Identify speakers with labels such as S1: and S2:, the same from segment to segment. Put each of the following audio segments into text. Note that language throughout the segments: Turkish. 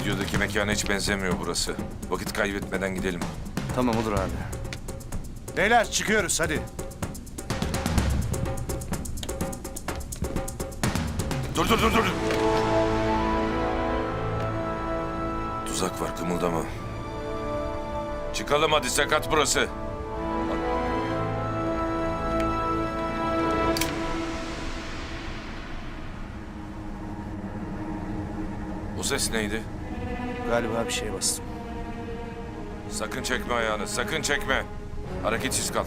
S1: Videodaki mekana hiç benzemiyor burası. Vakit kaybetmeden gidelim.
S2: Tamam olur abi.
S3: Beyler çıkıyoruz hadi.
S1: Dur. Tuzak var, kımıldama. Çıkalım hadi, sakat burası. O ses neydi?
S3: Galiba bir şeye bastım.
S1: Sakın çekme ayağını, sakın çekme. Hareketsiz kal.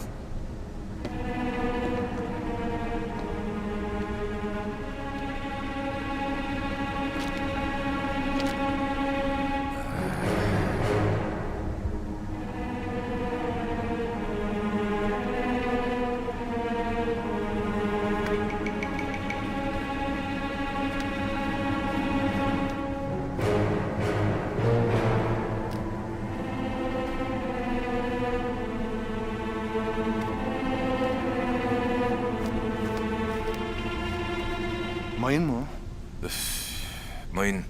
S3: Mayın mı o?
S1: Mayın.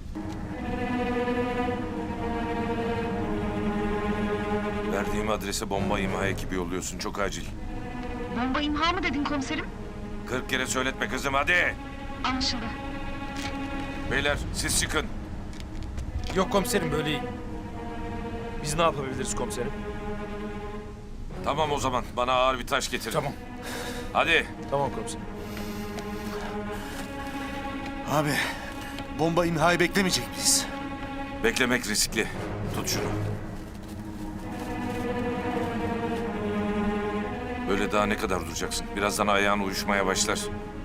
S1: Verdiğim adrese bomba imha ekibi yolluyorsun, çok acil.
S4: Bomba imha mı dedin komiserim?
S1: 40 kere söyletme kızım, hadi.
S4: Anlaşıldı.
S1: Beyler siz çıkın.
S2: Yok komiserim, böyle iyi. Biz ne yapabiliriz komiserim?
S1: Tamam o zaman, bana ağır bir taş getirin.
S2: Tamam.
S1: Hadi.
S2: Tamam komiserim.
S3: Abi bomba imhayı beklemeyecek miyiz?
S1: Beklemek riskli. Tut şunu. Böyle daha ne kadar duracaksın? Birazdan ayağın uyuşmaya başlar.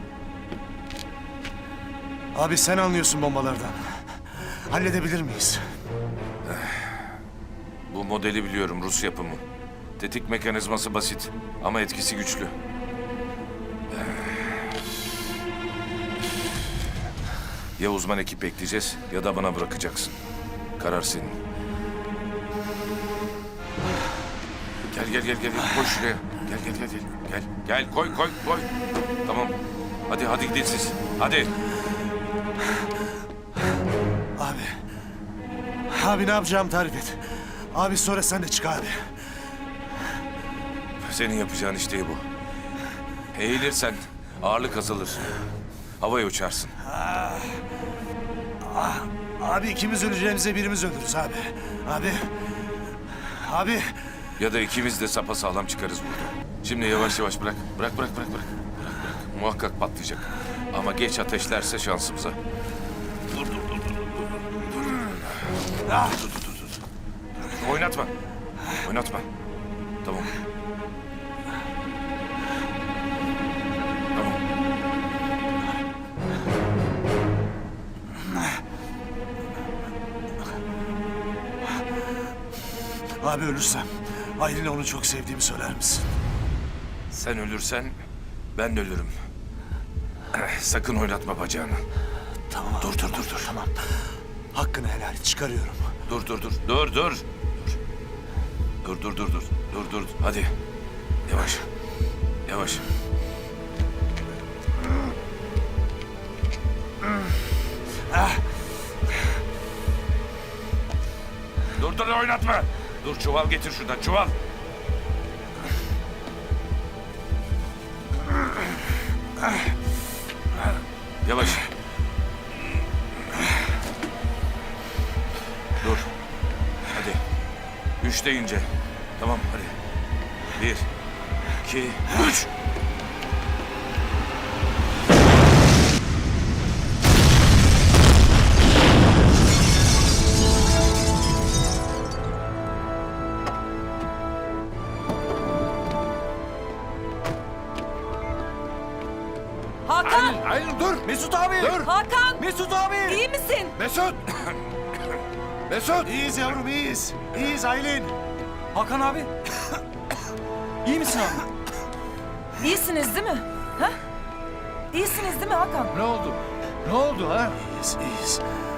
S3: Abi sen anlıyorsun bombalardan. Halledebilir miyiz?
S1: Bu modeli biliyorum, Rus yapımı. Tetik mekanizması basit ama etkisi güçlü. Ya uzman ekip bekleyeceğiz ya da bana bırakacaksın. Karar senin. Gel. Koy şuraya. Gel. Koy. Tamam. Hadi gidin siz. Hadi.
S3: Abi ne yapacağım tarif et. Abi sonra sen de çık abi.
S1: Senin yapacağın iş değil bu. Eğilirsen ağırlık azalır. Havaya uçarsın.
S3: Abi ikimiz öleceğimize birimiz ölürüz abi. Abi.
S1: Ya da ikimiz de sapasağlam çıkarız burada. Şimdi yavaş bırak. Bırak. Muhakkak patlayacak. Ama geç ateşlerse şansımıza. Dur. Oynatma. Tamam.
S3: Abi ölürsem Aylin'e onu çok sevdiğimi söyler misin?
S1: Sen ölürsen ben de ölürüm. Sakın oynatma bacağını.
S3: Tamam.
S1: Dur.
S3: Tamam. Hakkını helal et, çıkarıyorum.
S1: Dur. Dur. Hadi. Yavaş. Dur oynatma. Dur, çuval getir şuradan, çuval. Yavaş. Dur. Hadi. 3 deyince. Tamam hadi. 1, 2, 3.
S5: Hakan!
S3: Aylin dur! Mesut abi! Dur!
S5: Hakan!
S3: Mesut abi!
S5: İyi misin?
S3: Mesut! Mesut! İyiyiz yavrum, iyiyiz. İyiyiz Aylin.
S2: Hakan abi. İyi misin abi?
S5: İyisiniz değil mi? Ha? İyisiniz değil mi Hakan?
S3: Ne oldu ha? İyiyiz.